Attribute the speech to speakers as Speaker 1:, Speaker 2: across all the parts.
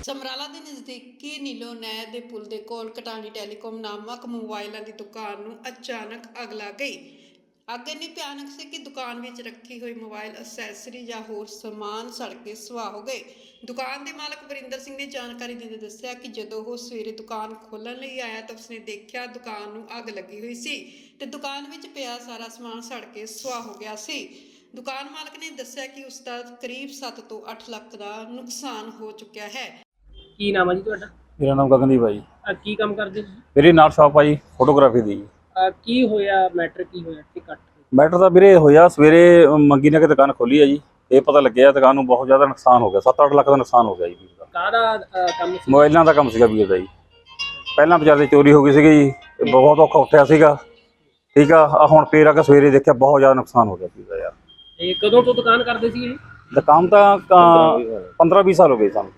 Speaker 1: ਸਮਰਾਲਾ ਦੇ ਨਜ਼ਦੀਕੀ ਨੀਲੋ ਨਹਿਰ ਦੇ ਪੁਲ ਦੇ ਕੋਲ ਕਟਾਣੀ ਟੈਲੀਕਾਮ ਨਾਮਕ ਮੋਬਾਈਲਾਂ ਦੀ ਦੁਕਾਨ ਨੂੰ ਅਚਾਨਕ ਅੱਗ ਲੱਗ ਗਈ। ਅੱਗ ਇੰਨੀ ਭਿਆਨਕ ਸੀ ਕਿ ਦੁਕਾਨ ਵਿੱਚ ਰੱਖੀ ਹੋਈ ਮੋਬਾਈਲ ਅਸੈਸਰੀ ਜਾਂ ਹੋਰ ਸਮਾਨ ਸੜ ਕੇ ਸੁਆਹ ਹੋ ਗਏ। ਦੁਕਾਨ ਦੇ ਮਾਲਕ ਵਰਿੰਦਰ ਸਿੰਘ ਨੇ ਜਾਣਕਾਰੀ ਦਿੰਦੇ ਦੱਸਿਆ ਕਿ ਜਦੋਂ ਉਹ ਸਵੇਰੇ ਦੁਕਾਨ ਖੋਲ੍ਹਣ ਲਈ ਆਇਆ ਤਾਂ ਉਸਨੇ ਦੇਖਿਆ ਦੁਕਾਨ ਨੂੰ ਅੱਗ ਲੱਗੀ ਹੋਈ ਸੀ ਤੇ ਦੁਕਾਨ ਵਿੱਚ ਪਿਆ ਸਾਰਾ ਸਮਾਨ ਸੜ ਕੇ ਸੁਆਹ ਹੋ ਗਿਆ ਸੀ। ਦੁਕਾਨ ਮਾਲਕ ਨੇ ਦੱਸਿਆ ਕਿ ਉਸ ਦਾ ਕਰੀਬ 7 ਤੋਂ 8 ਲੱਖ ਦਾ ਨੁਕਸਾਨ ਹੋ ਚੁੱਕਿਆ ਹੈ।
Speaker 2: ਕੀ ਨਾਮ ਹੈ ਜੀ ਤੁਹਾਡਾ?
Speaker 3: ਮੇਰਾ ਨਾਮ ਗਗਨਦੀਪ ਹੈ ਜੀ।
Speaker 2: ਕੀ ਕੰਮ ਕਰਦੇ ਤੁਸੀਂ?
Speaker 3: ਮੇਰੀ ਨਾਲ ਸ਼ਾਪ ਆ ਜੀ ਫੋਟੋਗ੍ਰਾਫੀ ਦੀ ਜੀ।
Speaker 2: ਕੀ ਹੋਇਆ? ਮੈਟਰ ਕੀ ਹੋਇਆ ਕਿ ਕੱਟ?
Speaker 3: ਮੈਟਰ ਤਾਂ ਵੀਰੇ ਹੋਇਆ ਸਵੇਰੇ ਮੰਗੀ ਨੇ ਕਿ ਦੁਕਾਨ ਖੋਲੀ ਹੈ ਜੀ। ਇਹ ਪਤਾ ਲੱਗਿਆ ਦੁਕਾਨ ਨੂੰ ਬਹੁਤ ਜ਼ਿਆਦਾ ਨੁਕਸਾਨ ਹੋ ਗਿਆ, 7-8 ਲੱਖ ਦਾ ਨੁਕਸਾਨ ਹੋ ਗਿਆ ਜੀ ਵੀਰ ਦਾ।
Speaker 2: ਕਾਹਦਾ ਕੰਮ ਸੀ?
Speaker 3: ਮੋਬਾਈਲਾਂ ਦਾ ਕੰਮ ਸੀਗਾ ਵੀਰ ਦਾ ਜੀ। ਪਹਿਲਾਂ ਬਾਜ਼ਾਰ ਦੀ ਚੋਰੀ ਹੋ ਗਈ ਸੀਗੀ ਜੀ, ਬਹੁਤ ਔਖਾ ਉੱਠਿਆ ਸੀਗਾ। ਠੀਕ ਆ, ਹੁਣ ਫੇਰ ਆ ਕੇ ਸਵੇਰੇ ਦੇਖਿਆ ਬਹੁਤ ਜ਼ਿਆਦਾ ਨੁਕਸਾਨ ਹੋ ਗਿਆ ਵੀਰ ਦਾ ਯਾਰ।
Speaker 2: ਇਹ ਕਦੋਂ ਤੋਂ ਦੁਕਾਨ ਕਰਦੇ ਸੀ ਇਹ?
Speaker 3: ਦੁਕਾਨ ਤਾਂ 15-20 ਸਾਲ ਹੋ ਗਏ ਸਾਨੂੰ।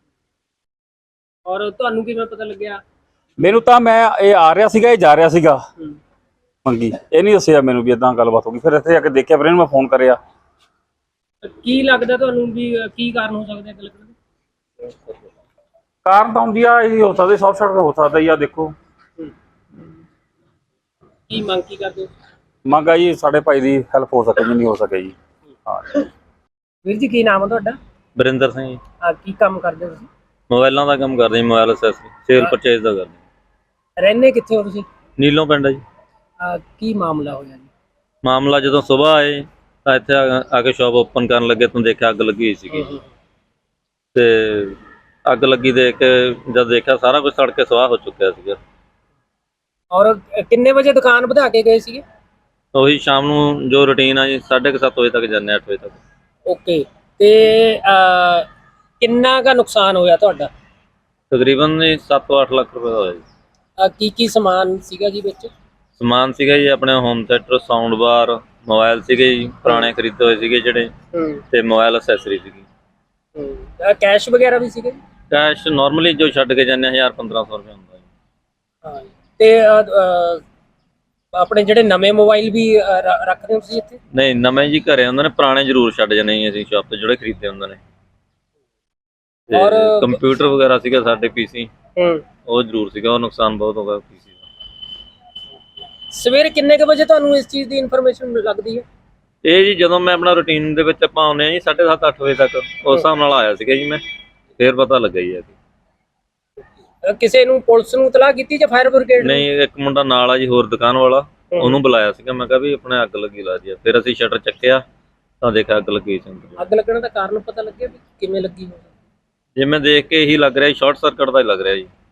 Speaker 2: ਔਰ ਤੁਹਾਨੂੰ ਕਿਵੇਂ ਪਤਾ ਲੱਗਿਆ?
Speaker 3: ਮੈਨੂੰ ਤਾਂ ਇਹ ਆ ਰਿਹਾ ਸੀਗਾ, ਇਹ ਜਾ ਰਿਹਾ ਸੀਗਾ ਮੰਗੀ, ਇਹ ਨਹੀਂ ਦੱਸਿਆ ਮੈਨੂੰ ਵੀ ਇਦਾਂ ਗੱਲਬਾਤ ਹੋ ਗਈ। ਫਿਰ ਇੱਥੇ ਆ ਕੇ ਦੇਖਿਆ, ਫਿਰ ਇਹਨੂੰ ਮੈਂ ਫੋਨ ਕਰਿਆ।
Speaker 2: ਕੀ ਲੱਗਦਾ ਤੁਹਾਨੂੰ ਵੀ ਕੀ ਕਾਰਨ ਹੋ ਸਕਦਾ ਅੱਗ ਲੱਗਣ ਦਾ?
Speaker 3: ਕਾਰਨ ਤਾਂ ਹੁੰਦੀ ਆ ਇਹ ਹੋ ਸਕਦਾ, ਸ਼ਾਰਟ ਸਰਕਟ ਹੋ ਸਕਦਾ ਜੀ। ਆ ਦੇਖੋ
Speaker 2: ਕੀ ਮੰਗ ਕੀ ਕਰਦੇ ਹੋ?
Speaker 3: ਮੰਗ ਆ ਜੀ ਸਾਡੇ ਭਾਈ ਦੀ ਹੈਲਪ ਹੋ ਸਕੇ, ਜਿੰਨੀ ਹੋ ਸਕੇ ਜੀ। ਹਾਂ
Speaker 2: ਵੀਰ ਜੀ ਕੀ ਨਾਮ ਹੈ ਤੁਹਾਡਾ?
Speaker 4: ਵਰਿੰਦਰ ਸਿੰਘ ਜੀ।
Speaker 2: ਕੀ ਕੰਮ ਕਰਦੇ ਹੋ ਤੁਸੀਂ?
Speaker 4: ਮੋਬਾਈਲਾਂ ਦਾ ਕੰਮ ਕਰਦੇ ਜੀ, ਮੋਬਾਈਲ ਅਸੈਸਰੀ ਸੇਲ ਪਰਚੇਜ਼ ਦਾ ਕਰਦੇ।
Speaker 2: ਰਹਿੰਦੇ ਕਿੱਥੇ ਹੋ ਤੁਸੀਂ?
Speaker 4: ਨੀਲੋਂ ਪਿੰਡ ਹੈ ਜੀ।
Speaker 2: ਕੀ ਮਾਮਲਾ ਹੋਇਆ ਜੀ?
Speaker 4: ਮਾਮਲਾ ਜਦੋਂ ਸਵੇਰ ਆਏ ਤਾਂ ਇੱਥੇ ਆ ਕੇ ਸ਼ਾਪ ਓਪਨ ਕਰਨ ਲੱਗੇ ਤਾਂ ਦੇਖਿਆ ਅੱਗ ਲੱਗੀ ਹੋਈ ਸੀਗੀ ਤੇ ਅੱਗ ਲੱਗੀ ਦੇਖ ਕੇ ਜਦ ਦੇਖਿਆ ਸਾਰਾ ਕੁਝ ਸੜ ਕੇ ਸੁਆਹ ਹੋ ਚੁੱਕਿਆ ਸੀਗਾ।
Speaker 2: ਔਰ ਕਿੰਨੇ ਵਜੇ ਦੁਕਾਨ ਵਧਾ ਕੇ ਗਏ ਸੀਗੇ?
Speaker 4: ਉਹੀ ਸ਼ਾਮ ਨੂੰ ਜੋ ਰੁਟੀਨ ਆ ਜੀ 7:30 ਵਜੇ ਤੱਕ ਜਾਂਦੇ, 8 ਵਜੇ ਤੱਕ।
Speaker 2: ਓਕੇ, ਤੇ ਕਿੰਨਾ ਕੁ ਨੁਕਸਾਨ ਹੋਇਆ ਤੁਹਾਡਾ?
Speaker 4: ਤਕਰੀਬਨ 7 ਤੋਂ 8 ਲੱਖ ਰੁਪਏ ਦਾ ਹੋਇਆ ਜੀ।
Speaker 2: ਕੀ ਸਮਾਨ ਸੀਗਾ ਜੀ ਵਿੱਚ?
Speaker 4: ਸਮਾਨ ਸੀਗਾ ਜੀ ਆਪਣੇ home theatre, sound bar, mobile ਸੀਗੇ ਜੀ ਪੁਰਾਣੇ ਖਰੀਦੇ ਹੋਏ ਸੀਗੇ ਜਿਹੜੇ, ਤੇ ਮੋਬਾਈਲ ਅਸੈਸਰੀ ਸੀਗੀ।
Speaker 2: ਕੈਸ਼ ਵਗੈਰਾ ਵੀ ਸੀਗੇ?
Speaker 4: ਕੈਸ਼ ਨਾਰਮਲੀ ਜੋ ਛੱਡ ਕੇ ਜਾਂਦੇ 1000-1500 ਰੁਪਏ ਹੁੰਦਾ ਜੀ।
Speaker 2: ਹਾਂ, ਤੇ ਆਪਣੇ ਜਿਹੜੇ ਨਵੇਂ ਮੋਬਾਈਲ ਵੀ ਰੱਖਦੇ ਹੋ ਤੁਸੀਂ ਇੱਥੇ?
Speaker 4: ਨਹੀਂ, ਨਵੇਂ ਜੀ ਘਰੇ ਹੁੰਦੇ ਨੇ, ਪੁਰਾਣੇ ਜ਼ਰੂਰ ਛੱਡ ਜਾਂਦੇ ਜੀ ਅਸੀਂ ਸ਼ਾਪ ਤੇ ਜਿਹੜੇ ਖਰੀਦੇ ਹੁੰਦੇ ਨੇ।
Speaker 2: ਔਰ
Speaker 4: ਕੰਪਿਊਟਰ ਵਗੈਰਾ ਸੀਗਾ ਸਾਡੇ ਪੀਸੀ, ਉਹ ਜ਼ਰੂਰ ਸੀਗਾ, ਉਹ ਨੁਕਸਾਨ ਬਹੁਤ ਹੋ ਗਿਆ ਪੀਸੀ ਦਾ।
Speaker 2: ਸਵੇਰੇ ਕਿੰਨੇ ਕੁ ਵਜੇ ਤੁਹਾਨੂੰ ਇਸ ਚੀਜ਼ ਦੀ ਇਨਫੋਰਮੇਸ਼ਨ ਲੱਗਦੀ ਹੈ?
Speaker 4: ਇਹ ਜੀ ਜਦੋਂ ਮੈਂ ਆਪਣਾ ਰੂਟੀਨ ਦੇ ਵਿੱਚ ਆਪਾਂ ਆਉਂਦੇ ਆ ਜੀ 7:30-8 ਵਜੇ ਤੱਕ, ਉਸ ਹਿਸਾਬ ਨਾਲ ਆਇਆ ਸੀਗਾ ਜੀ ਮੈਂ, ਫੇਰ ਪਤਾ ਲੱਗਾ ਜੀ।
Speaker 2: ਕਿਸੇ ਨੂੰ, ਪੁਲਿਸ ਨੂੰ ਇਤਲਾਹ ਕੀਤੀ ਜਾਂ ਫਾਇਰ ਬ੍ਰਿਗੇਡ?
Speaker 4: ਨਹੀਂ, ਇੱਕ ਮੁੰਡਾ ਨਾਲ ਆ ਜੀ ਹੋਰ ਦੁਕਾਨ ਵਾਲਾ, ਉਹਨੂੰ ਬੁਲਾਇਆ ਸੀਗਾ। ਮੈਂ ਕਿਹਾ ਵੀ ਆਪਣੇ ਅੱਗ ਲੱਗੀ ਲਾ ਜੀ। ਫਿਰ ਅਸੀਂ ਸ਼ਟਰ ਚੱਕਿਆ ਤਾਂ ਦੇਖਿਆ ਅੱਗ ਲੱਗੀ ਸੀ।
Speaker 2: ਅੱਗ ਲੱਗਣ ਦਾ ਕਾਰਨ ਪਤਾ ਲੱਗਿਆ ਵੀ ਕਿਵੇਂ ਲੱਗੀ ਹੋਵੇ?
Speaker 4: ਜਿਵੇਂ ਦੇਖ ਕੇ ਇਹੀ ਲੱਗ ਰਿਹਾ ਸ਼ਾਰਟ ਸਰਕਟ ਦਾ ਹੀ ਲੱਗ ਰਿਹਾ ਜੀ।